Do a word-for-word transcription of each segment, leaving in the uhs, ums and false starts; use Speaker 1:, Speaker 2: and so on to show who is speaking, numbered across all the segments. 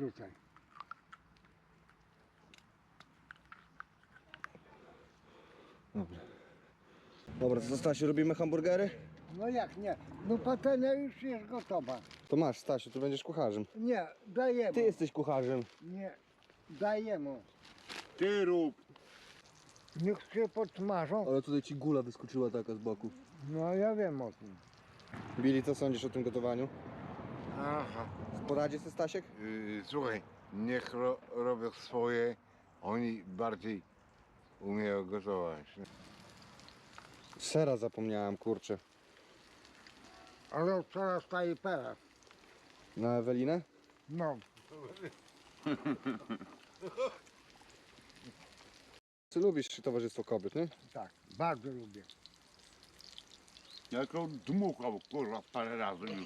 Speaker 1: Wrzucaj.
Speaker 2: Dobra. Dobra, to co, Stasiu, robimy hamburgery?
Speaker 1: No jak nie? No patelnia już jest gotowa.
Speaker 2: To masz, Stasiu, ty będziesz kucharzem.
Speaker 1: Nie, dajemy.
Speaker 2: Ty jesteś kucharzem.
Speaker 1: Nie, dajemy.
Speaker 3: Ty rób.
Speaker 1: Niech się podsmażą.
Speaker 2: Ale tutaj ci gula wyskoczyła taka z boku.
Speaker 1: No ja wiem o tym.
Speaker 2: Billy, co sądzisz o tym gotowaniu?
Speaker 3: Aha.
Speaker 2: Poradzie sobie, Stasiek?
Speaker 3: Yy, słuchaj, niech ro, robią swoje. Oni bardziej umieją gotować.
Speaker 2: Sera zapomniałem, kurczę.
Speaker 1: Ale coraz staje teraz.
Speaker 2: Na Ewelinę?
Speaker 1: No.
Speaker 2: Ty lubisz towarzystwo kobiet, nie?
Speaker 1: Tak, bardzo lubię.
Speaker 4: Ja to dmuchał, kurwa, parę razy już.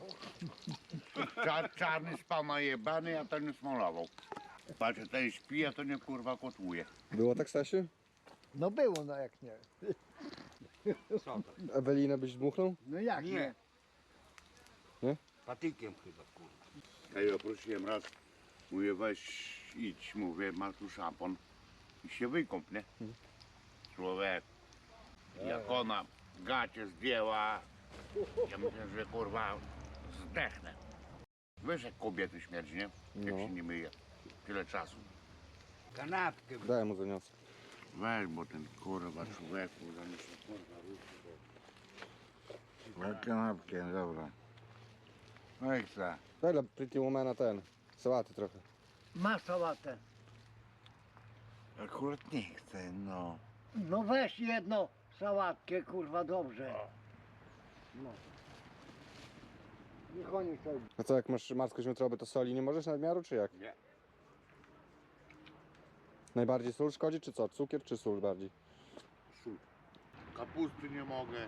Speaker 4: Czar, czarny spał najebany, a ten smolował. Patrzę, ten śpi, a to nie kurwa kotłuje.
Speaker 2: Było tak, Stasiu?
Speaker 1: No było, no jak nie.
Speaker 2: Ewelinę byś dmuchnął?
Speaker 1: No jak nie?
Speaker 2: Nie?
Speaker 4: Patykiem chyba, kurwa. Ja ją prosiłem raz, mówię, weź idź, mówię, masz tu szampon i się wykąp, nie? Człowiek, jak ona gacie zdjęła, ja myślę, że kurwa zdechnę. Wiesz, jak kobiety śmierdzi, nie? Jak
Speaker 2: No.
Speaker 4: się nie myje. Tyle czasu.
Speaker 3: Kanapkę.
Speaker 2: Daj mu zaniosę.
Speaker 4: Weź, bo ten kurwa człowieku, zanim się kurwa ruszy.
Speaker 3: Kanapkę, dobra. No i co?
Speaker 2: Daj dla Pretty Womana ten, sałaty trochę.
Speaker 1: Masz sałatę.
Speaker 3: Akurat nie chcę, no.
Speaker 1: No weź jedną sałatkę, kurwa, dobrze. No. Niech oni sobie.
Speaker 2: A co, jak masz marską wątrobę, to soli nie możesz nadmiaru, czy jak?
Speaker 4: Nie.
Speaker 2: Najbardziej sól szkodzi, czy co? Cukier, czy sól bardziej?
Speaker 4: Sól. Kapusty nie mogę.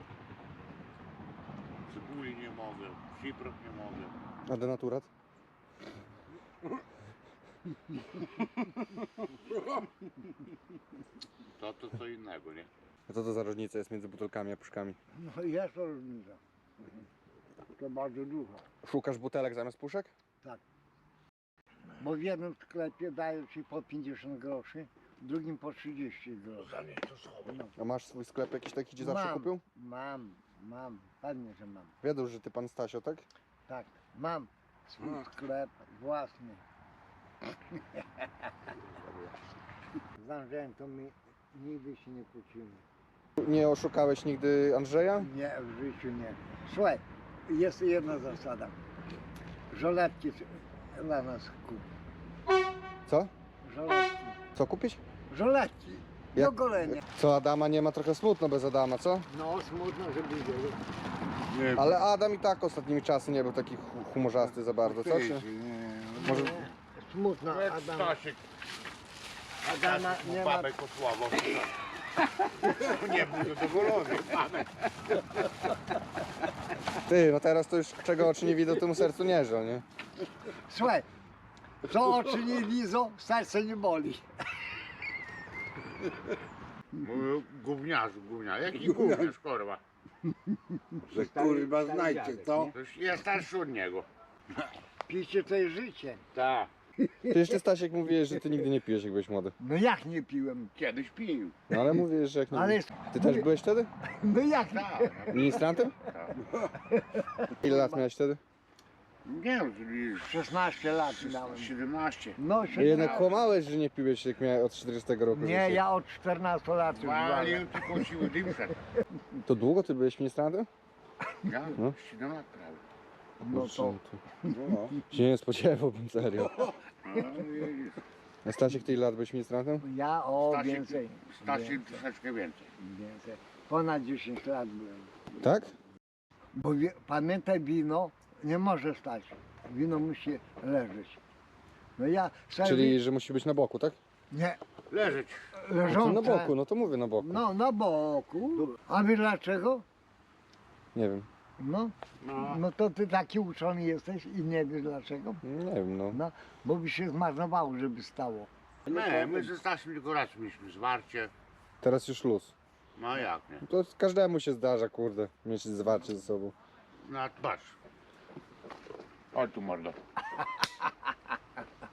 Speaker 4: Cebuli nie mogę. Ciprot nie mogę.
Speaker 2: A denaturat?
Speaker 4: To to co innego, nie?
Speaker 2: A co to za różnica jest między butelkami a puszkami?
Speaker 1: No jest różnica. To bardzo dużo.
Speaker 2: Szukasz butelek zamiast puszek?
Speaker 1: Bo w jednym sklepie dają ci po pięćdziesiąt groszy, w drugim po trzydzieści groszy. No.
Speaker 2: A masz swój sklep jakiś taki, gdzie zawsze
Speaker 1: Mam,
Speaker 2: kupił?
Speaker 1: Mam, mam, pewnie, że mam.
Speaker 2: Wiedzą, że ty pan Stasio, tak?
Speaker 1: Tak, mam swój sklep własny. Z Andrzejem to my nigdy się nie kłócimy.
Speaker 2: Nie oszukałeś nigdy Andrzeja?
Speaker 1: Nie, w życiu nie. Słuchaj, jest jedna zasada. Żoletki dla nas kup.
Speaker 2: Co?
Speaker 1: Żoletki.
Speaker 2: Co kupić?
Speaker 1: Żoletki. Do
Speaker 2: Jak-
Speaker 1: golenia.
Speaker 2: Co, Adama nie ma trochę smutno bez Adama, co?
Speaker 1: No, smutno, żeby wiedzieli.
Speaker 3: Nie,
Speaker 2: Ale Adam i tak ostatnimi czasy nie był taki hu- humorzasty za bardzo, co? Czy?
Speaker 3: nie.
Speaker 2: Może...
Speaker 1: Smutno,
Speaker 4: Jak
Speaker 1: Adam.
Speaker 4: Stasiek,
Speaker 1: Adama
Speaker 4: Stasiek
Speaker 1: nie
Speaker 4: mu
Speaker 1: ma.
Speaker 4: babę kotławał. Nie był zadowolony.
Speaker 2: Ty, no teraz to już czego oczy nie widzą, temu sercu nie żal, nie?
Speaker 1: Słuchaj, co oczy nie widzą, serce nie boli.
Speaker 4: Mówił gówniarzu, gówniarz. Jaki gówniarz, kurwa?
Speaker 3: Że kurwa znajdzie to.
Speaker 4: To już ja starszy od niego.
Speaker 1: Picie to jest życie.
Speaker 4: Tak.
Speaker 2: Ty jeszcze, Stasiek, mówiłeś, że ty nigdy nie pijesz, jak byłeś młody.
Speaker 1: No jak nie piłem?
Speaker 4: Kiedyś pił.
Speaker 2: No ale mówisz, że jak nie
Speaker 1: Ale
Speaker 2: Ty też byłeś wtedy?
Speaker 1: no jak nie?
Speaker 4: Tak.
Speaker 2: Ministrantem? Ile lat miałeś wtedy?
Speaker 4: Nie wiem, czyli
Speaker 1: szesnaście lat miałem.
Speaker 4: siedemnaście.
Speaker 1: No,
Speaker 2: A
Speaker 1: siedemnaście.
Speaker 2: jednak kłamałeś, że nie piłeś, jak miałeś od czterdziestego roku
Speaker 1: Nie,
Speaker 2: życia.
Speaker 1: ja od czternastu lat już walę.
Speaker 4: Walił tylko siły dymszek.
Speaker 2: To długo ty byłeś ministrantem?
Speaker 4: Ja?
Speaker 2: No.
Speaker 4: siedem lat prawie.
Speaker 1: No to
Speaker 3: No.
Speaker 2: Się nie spodziewałbym, serio.
Speaker 4: No, widzisz.
Speaker 2: A Stasiek, ty ile lat byłeś ministrantem?
Speaker 1: ja o
Speaker 4: Stasiek-
Speaker 1: więcej.
Speaker 4: Stasiek
Speaker 1: Więcej,
Speaker 4: troszeczkę więcej.
Speaker 1: więcej. Ponad dziesięć lat byłem.
Speaker 2: Tak?
Speaker 1: Bo wie, pamiętaj, wino nie może stać. Wino musi leżeć. No ja sobie...
Speaker 2: Czyli, że musi być na boku, tak?
Speaker 1: Nie,
Speaker 4: Leżeć.
Speaker 2: To
Speaker 1: leżące.
Speaker 2: na boku, no to mówię na boku.
Speaker 1: No, na boku. A wiesz dlaczego?
Speaker 2: Nie wiem.
Speaker 1: No,
Speaker 4: No.
Speaker 1: no to ty taki uczony jesteś i nie wiesz dlaczego?
Speaker 2: Nie wiem, no.
Speaker 1: No, bo by się zmarnowało, żeby stało.
Speaker 4: Nie, my ze Stasiem tylko raz mieliśmy zwarcie.
Speaker 2: Teraz już luz.
Speaker 4: No jak nie?
Speaker 2: To każdemu się zdarza, kurde, mieć zwarcie ze sobą.
Speaker 4: No patrz. Chodź tu mordo.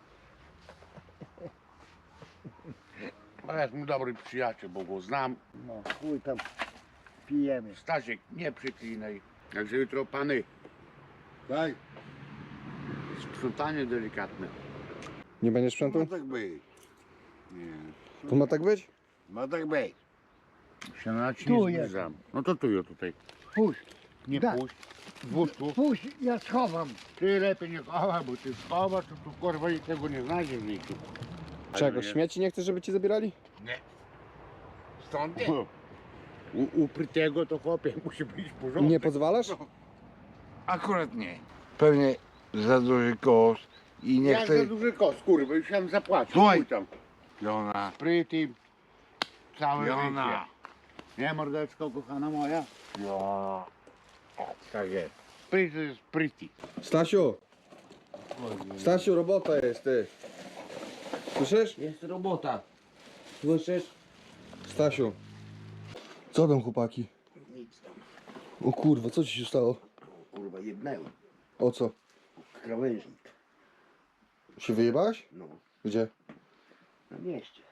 Speaker 4: To jest mój dobry przyjaciel, bo go znam.
Speaker 1: No, chuj tam pijemy.
Speaker 4: Stasiek, nie przeklinaj. Także jutro pany,
Speaker 3: Tak?
Speaker 4: sprzątanie delikatne.
Speaker 2: Nie będziesz
Speaker 3: Ma
Speaker 2: sprzętu?
Speaker 3: tak być. Nie.
Speaker 2: To ma tak być?
Speaker 3: Ma tak być.
Speaker 4: Się na ci
Speaker 1: Tu
Speaker 4: nie
Speaker 1: jest.
Speaker 4: zbliżam. No to tu, ja tutaj.
Speaker 1: Puść,
Speaker 4: Nie
Speaker 1: Da.
Speaker 4: puść. Włóż tu.
Speaker 1: puść, ja schowam.
Speaker 4: Ty lepiej nie chowaj, bo ty schowasz, to tu kurwa i tego nie znajdziesz w życiu.
Speaker 2: Czego? Śmieci nie chcesz, żeby ci zabierali?
Speaker 3: Nie. Stąd nie.
Speaker 4: U, uprytego to chłopie musi być porządek.
Speaker 2: Nie pozwalasz?
Speaker 3: Akurat nie. Pewnie za duży koszt i nie
Speaker 4: Jak
Speaker 3: chcę...
Speaker 4: za duży koszt, kurwa, już tam zapłacił.
Speaker 3: Słuchaj.
Speaker 4: Chuj tam.
Speaker 3: Jona.
Speaker 4: Spryty, całe
Speaker 3: Jona.
Speaker 4: życie. Nie, mordeczko, kochana moja?
Speaker 3: Jona.
Speaker 4: Tak jest. Spryty jest spryty.
Speaker 2: Stasiu! Stasiu, robota jest, ty. Słyszysz?
Speaker 5: Jest robota. Słyszysz?
Speaker 2: Stasiu. Co tam, chłopaki?
Speaker 5: Nic tam.
Speaker 2: O kurwa, co ci się stało?
Speaker 5: Kurwa, jednęłem.
Speaker 2: O co?
Speaker 5: Krawężnik.
Speaker 2: Się wyjebałeś?
Speaker 5: No,
Speaker 2: Gdzie?
Speaker 5: na mieście.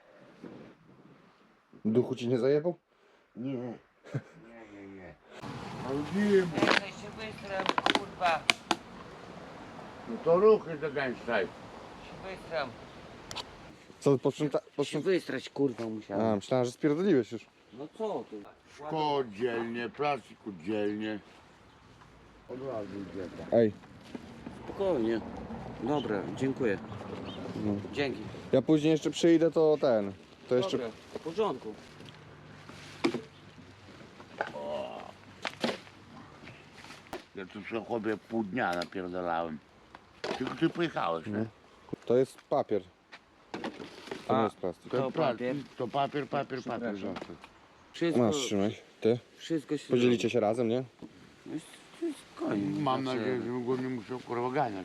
Speaker 2: Duchu ci nie zajebał?
Speaker 5: Nie.
Speaker 4: Nie, nie, nie. Robiłem.
Speaker 6: Czekaj się wystram, kurwa.
Speaker 4: No to ruchy zagęszczaj.
Speaker 6: Się wystram.
Speaker 2: Co, posprząta...
Speaker 6: Się
Speaker 2: posprząta...
Speaker 6: wystrać, kurwa, musiałem.
Speaker 2: A, myślałem, że spierdoliłeś już.
Speaker 6: No co ty?
Speaker 4: Szkło dzielnie, plastik dzielnie. Od razu idzie.
Speaker 2: Ej,
Speaker 6: Spokojnie. Dobra, dziękuję.
Speaker 2: No.
Speaker 6: Dzięki.
Speaker 2: ja później jeszcze przyjdę, to ten... To jeszcze...
Speaker 6: Dobra, w porządku.
Speaker 4: Ja tu sobie chłopie pół dnia napierdalałem. Tylko ty pojechałeś, nie?
Speaker 2: To jest papier. To nie
Speaker 6: A.
Speaker 2: jest plastik.
Speaker 6: To
Speaker 4: pra-
Speaker 6: papier.
Speaker 4: To papier, papier, papier.
Speaker 6: Przepraszam.
Speaker 4: zawsze.
Speaker 6: Wszystko,
Speaker 2: Masz, trzymaj. Ty?
Speaker 6: wszystko się
Speaker 2: Podzielicie się razem, nie?
Speaker 6: No i spokojnie.
Speaker 4: Mam
Speaker 6: znaczy-
Speaker 4: nadzieję, że go nie muszę kurwa ganiać.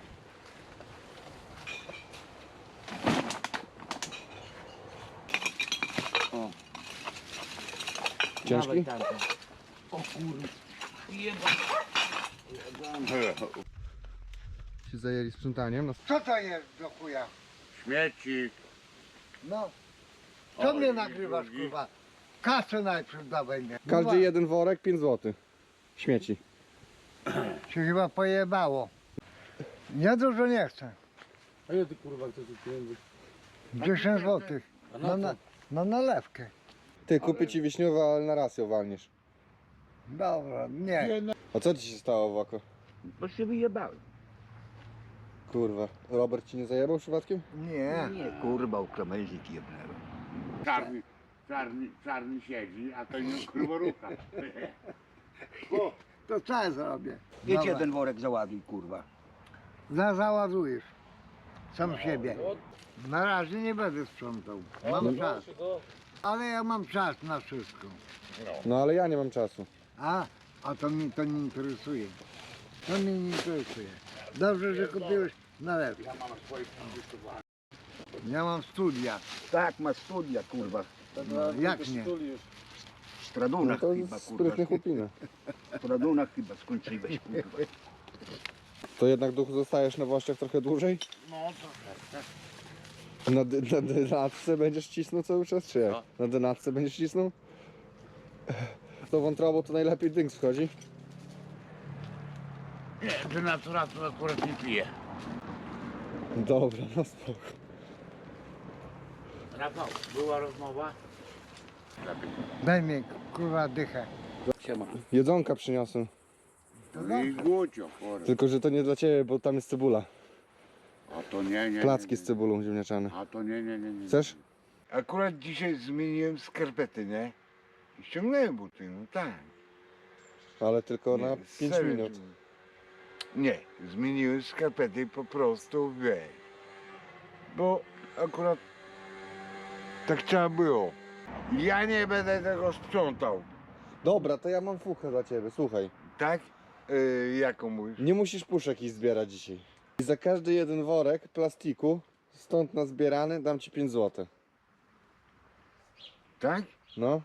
Speaker 6: O.
Speaker 2: Ciężki?
Speaker 6: Dawaj tamten. O kurwa. Jeba.
Speaker 2: Się zajęli sprzątaniem. No.
Speaker 1: Co to jest do chuja?
Speaker 4: Śmieci.
Speaker 1: No. Co
Speaker 4: O,
Speaker 1: mnie
Speaker 4: i
Speaker 1: nagrywasz,
Speaker 4: drugi.
Speaker 1: kurwa? Kasę najpierw dawaj mnie.
Speaker 2: Każdy jeden worek, pięć złotych. Śmieci.
Speaker 1: Się chyba pojebało. Ja dużo nie chcę.
Speaker 5: A ja ty kurwa chcesz pieniędzy?
Speaker 1: dziesięć złotych.
Speaker 5: A
Speaker 1: Na,
Speaker 5: na
Speaker 1: na,
Speaker 5: co?
Speaker 1: na nalewkę.
Speaker 2: Ty, kupię ci wiśniowe, ale na raz ją walniesz.
Speaker 1: Dobra, nie.
Speaker 2: A co ci się stało w oko?
Speaker 5: Bo się wyjebałem.
Speaker 2: Kurwa. Robert ci nie zajebał przypadkiem?
Speaker 1: Nie.
Speaker 5: Nie, kurwa, u krawężnik jebnęłem.
Speaker 4: Czarny, czarny, czarny siedzi, a to nie kurwa rucha. O,
Speaker 1: To co ja zrobię?
Speaker 5: Idź
Speaker 1: Dobra.
Speaker 5: jeden worek załaduj, kurwa.
Speaker 1: Za, załadujesz. Sam siebie. Na razie nie będę sprzątał. Mam czas. Ale ja mam czas na wszystko.
Speaker 2: No ale ja nie mam czasu.
Speaker 1: A, a to mnie to nie interesuje. To mnie nie interesuje. Dobrze, że kupiłeś nalewkę. Ja mam studia.
Speaker 5: Tak, ma studia, kurwa.
Speaker 1: No, jak nie?
Speaker 5: W
Speaker 2: No
Speaker 5: Stradunach
Speaker 2: to
Speaker 5: chyba, kurwa.
Speaker 2: sprytnie chłopina.
Speaker 5: W Stradunach chyba skończyłeś, kurwa.
Speaker 2: To jednak duchu zostajesz na Włoszech trochę dłużej?
Speaker 4: no troszeczkę.
Speaker 2: Na, dy, na dynatce będziesz cisnął cały czas, czy jak?
Speaker 4: Co?
Speaker 2: Na dynatce będziesz cisnął? To wątrobą to najlepiej dynks wchodzi.
Speaker 4: Nie, denaturatu akurat nie piję.
Speaker 2: Dobra, no spoko.
Speaker 4: Rafał, była rozmowa? Lepiej.
Speaker 1: Daj mi kurwa dychę.
Speaker 6: Siema.
Speaker 2: Jedzonka przyniosłem.
Speaker 4: No i głucio, kurwa.
Speaker 2: Tylko, że to nie dla ciebie, bo tam jest cebula.
Speaker 4: A to nie, nie.
Speaker 2: Placki
Speaker 4: nie,
Speaker 2: z cebulą ziemniaczane.
Speaker 4: A to nie, nie, nie, nie.
Speaker 2: Chcesz?
Speaker 3: Akurat dzisiaj zmieniłem skarpety, nie? I ściągnąłem buty, no tak.
Speaker 2: Ale tylko
Speaker 3: Nie,
Speaker 2: na pięć
Speaker 3: serio,
Speaker 2: minut.
Speaker 3: Nie, zmieniłem skarpety po prostu, wiesz. Bo akurat tak trzeba było. Ja nie będę tego sprzątał,
Speaker 2: Dobra, to ja mam fuchę dla ciebie, słuchaj.
Speaker 3: tak? Yy, jaką mówisz?
Speaker 2: Nie musisz puszek iść zbierać dzisiaj. I za każdy jeden worek plastiku, stąd nazbierany, dam ci pięć złotych.
Speaker 3: Tak?
Speaker 2: No.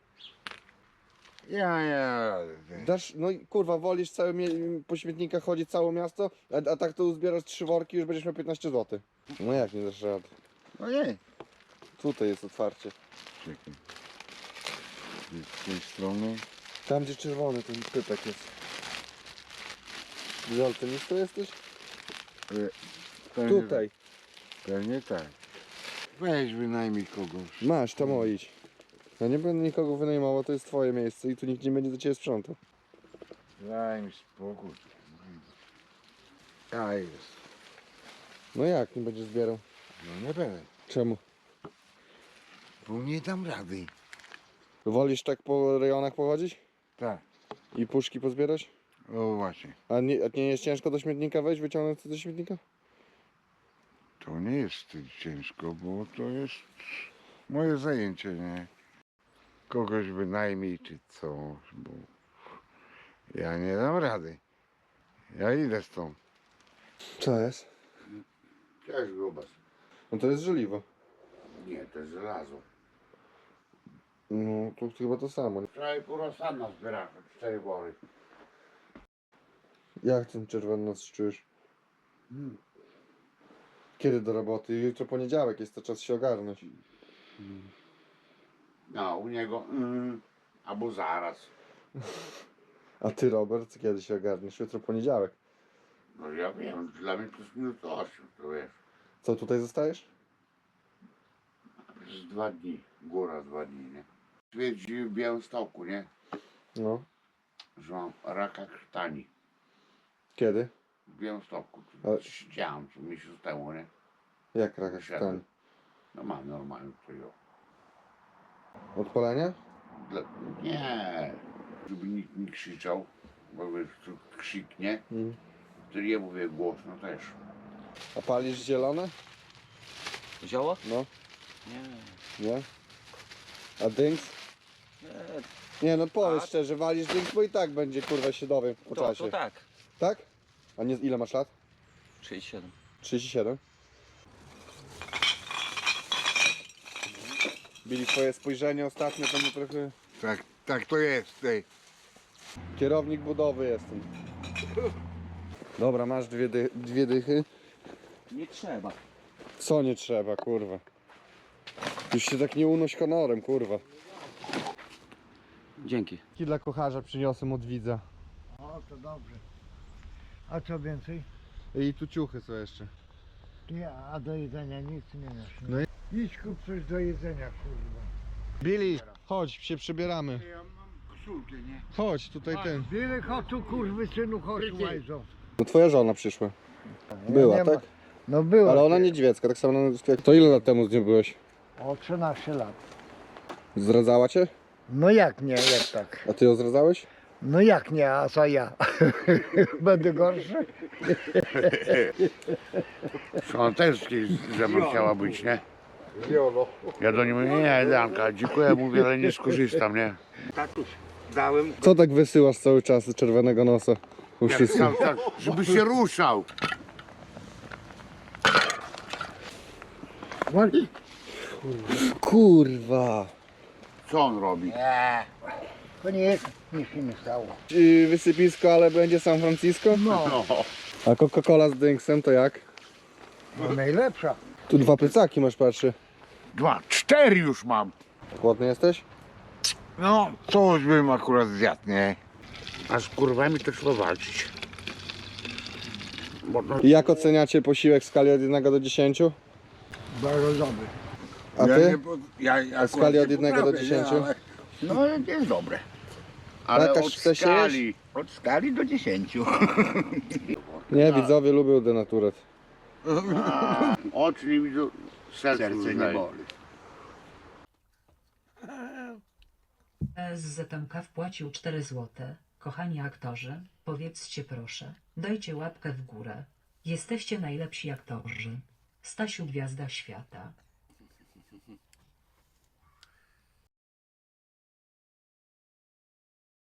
Speaker 3: Ja, ja.
Speaker 2: Dasz, no i kurwa, wolisz całe mie- po śmietnikach chodzić całe miasto, a, a tak to uzbierasz trzy worki, już będziesz miał piętnaście złotych. No jak nie dasz rady?
Speaker 3: No nie.
Speaker 2: Tutaj jest otwarcie.
Speaker 3: Czekaj. Z tej strony.
Speaker 2: Tam gdzie czerwony ten pypek jest. Daltonistą jesteś?
Speaker 3: E, pewnie-
Speaker 2: Tutaj.
Speaker 3: Pewnie tak. Weź wynajmij kogoś.
Speaker 2: Masz, tam o idź. Ja nie będę nikogo wynajmował, to jest twoje miejsce i tu nikt nie będzie do ciebie sprzątał.
Speaker 3: Daj mi spokój. A jest.
Speaker 2: No jak nie będziesz zbierał?
Speaker 3: No nie będę.
Speaker 2: Czemu?
Speaker 3: Bo nie dam rady.
Speaker 2: Wolisz tak po rejonach pochodzić?
Speaker 3: Tak.
Speaker 2: I puszki pozbierać?
Speaker 3: O właśnie.
Speaker 2: A nie, a nie jest ciężko do śmietnika wejść, wyciągnąć to do śmietnika?
Speaker 3: To nie jest ciężko, bo to jest moje zajęcie, nie? Kogoś wynajmij czy coś, bo ja nie dam rady. Ja idę stąd.
Speaker 2: Co jest?
Speaker 4: Cześć grubas.
Speaker 2: No to jest żeliwo.
Speaker 4: Nie, to jest żelazo.
Speaker 2: No to chyba to samo.
Speaker 4: Wczoraj kurosana zbierałem, cztery wory.
Speaker 2: Jak ten czerwony nos czujesz? Kiedy do roboty? Jutro poniedziałek jest, to czas się ogarnąć.
Speaker 4: No, u niego, mm, albo zaraz.
Speaker 2: A ty, Robert, kiedy się ogarniesz? Jutro poniedziałek.
Speaker 4: No ja wiem, dla mnie plus minus osiem, to wiesz.
Speaker 2: Co, tutaj zostajesz?
Speaker 4: Przez dwa dni, góra dwa dni, nie? Stwierdzili w Białymstoku, nie?
Speaker 2: No.
Speaker 4: Że mam raka krtani.
Speaker 2: Kiedy?
Speaker 4: W Białymstoku.
Speaker 2: Ale-
Speaker 4: Siedziałem tu miesiąc temu, nie?
Speaker 2: Jak raka
Speaker 4: Wyszedłem.
Speaker 2: krtani?
Speaker 4: No mam normalnie to ją.
Speaker 2: Odpalenia?
Speaker 4: Dla... Nie, żeby nikt nie krzyczał, bo wiesz, tu krzyknie,
Speaker 2: Mm.
Speaker 4: to ja mówię głośno też.
Speaker 2: A palisz zielone?
Speaker 6: Zioło?
Speaker 2: No.
Speaker 6: Nie.
Speaker 2: Nie? A dynks?
Speaker 6: Nie.
Speaker 2: Nie no powiedz
Speaker 6: A?
Speaker 2: szczerze, walisz dynks, bo i tak będzie kurwa się dowiem po
Speaker 6: To,
Speaker 2: czasie.
Speaker 6: to tak.
Speaker 2: Tak? A nie, ile masz lat?
Speaker 6: trzydzieści siedem.
Speaker 2: trzydzieści siedem. Bili twoje spojrzenie ostatnio, to mnie trochę...
Speaker 3: Tak, tak to jest, tej.
Speaker 2: Kierownik budowy jestem. Dobra, masz dwie, dy dwie dychy.
Speaker 6: Nie trzeba.
Speaker 2: Co nie trzeba, kurwa. Już się tak nie unoś honorem, kurwa.
Speaker 6: Dzięki.
Speaker 2: I dla kocharza przyniosłem od widza.
Speaker 1: O, to dobrze. A co więcej?
Speaker 2: I tu ciuchy są jeszcze.
Speaker 1: Ty, a do jedzenia nic nie masz. Nie?
Speaker 2: No i-
Speaker 1: Idź kup coś do jedzenia, kurwa.
Speaker 2: Billy, chodź, się przebieramy.
Speaker 3: Ja mam koszulkę, nie?
Speaker 2: Chodź, tutaj ten.
Speaker 1: Byle chotu, kurwy synu, chodź łajzo.
Speaker 2: No twoja żona przyszła. Była,
Speaker 1: nie ma-
Speaker 2: tak?
Speaker 1: No była.
Speaker 2: Ale ona niedźwiecka, tak samo jak to ile lat temu z nią byłeś?
Speaker 1: O trzynaście lat.
Speaker 2: Zdradzała cię?
Speaker 1: No jak nie, jak tak?
Speaker 2: A ty ją zdradzałeś?
Speaker 1: No jak nie, a co ja? Będę gorszy?
Speaker 4: Ona też ze mną chciała być, nie? Ja do niej mówię, nie, Danka, dziękuję, mówię, ale nie skorzystam, nie?
Speaker 5: Tatuś, dałem.
Speaker 2: Co tak wysyłasz cały czas z czerwonego nosa? U
Speaker 4: Jak
Speaker 2: wszystkich?
Speaker 4: cały czas, żeby się ruszał.
Speaker 2: Kurwa.
Speaker 4: Co on robi?
Speaker 1: To nie, nic się nie stało.
Speaker 2: Yy, wysypisko, ale będzie San Francisco?
Speaker 1: No,
Speaker 4: No,
Speaker 2: A Coca-Cola z dynksem to jak?
Speaker 1: no najlepsza.
Speaker 2: Tu dwa plecaki masz, patrzy.
Speaker 4: dwa, cztery już mam.
Speaker 2: Głodny jesteś?
Speaker 3: No, coś bym akurat zjadł, nie?
Speaker 4: A z kurwami to trzeba walczyć. Bo no,
Speaker 2: I jak oceniacie posiłek w skali od jednego do dziesięciu?
Speaker 1: Bardzo dobry.
Speaker 2: A
Speaker 3: ja
Speaker 2: ty?
Speaker 3: Nie, po- ja, ja
Speaker 2: A w skali
Speaker 3: akurat
Speaker 2: od
Speaker 3: nie
Speaker 2: jednego do
Speaker 3: potrafię,
Speaker 2: dziesięciu?
Speaker 3: nie, ale- No jest dobre.
Speaker 4: ale
Speaker 2: Jakaś
Speaker 4: od
Speaker 2: chce się
Speaker 4: skali.
Speaker 5: Od skali do dziesięciu.
Speaker 2: Nie, widzowie lubią denaturat.
Speaker 4: Oczy nie widzą, serce,
Speaker 5: Serce nie
Speaker 4: uznaje.
Speaker 5: boli.
Speaker 7: S Z M K wpłacił cztery złote. Kochani aktorzy, powiedzcie proszę, dajcie łapkę w górę. Jesteście najlepsi aktorzy. Stasiu Gwiazda Świata.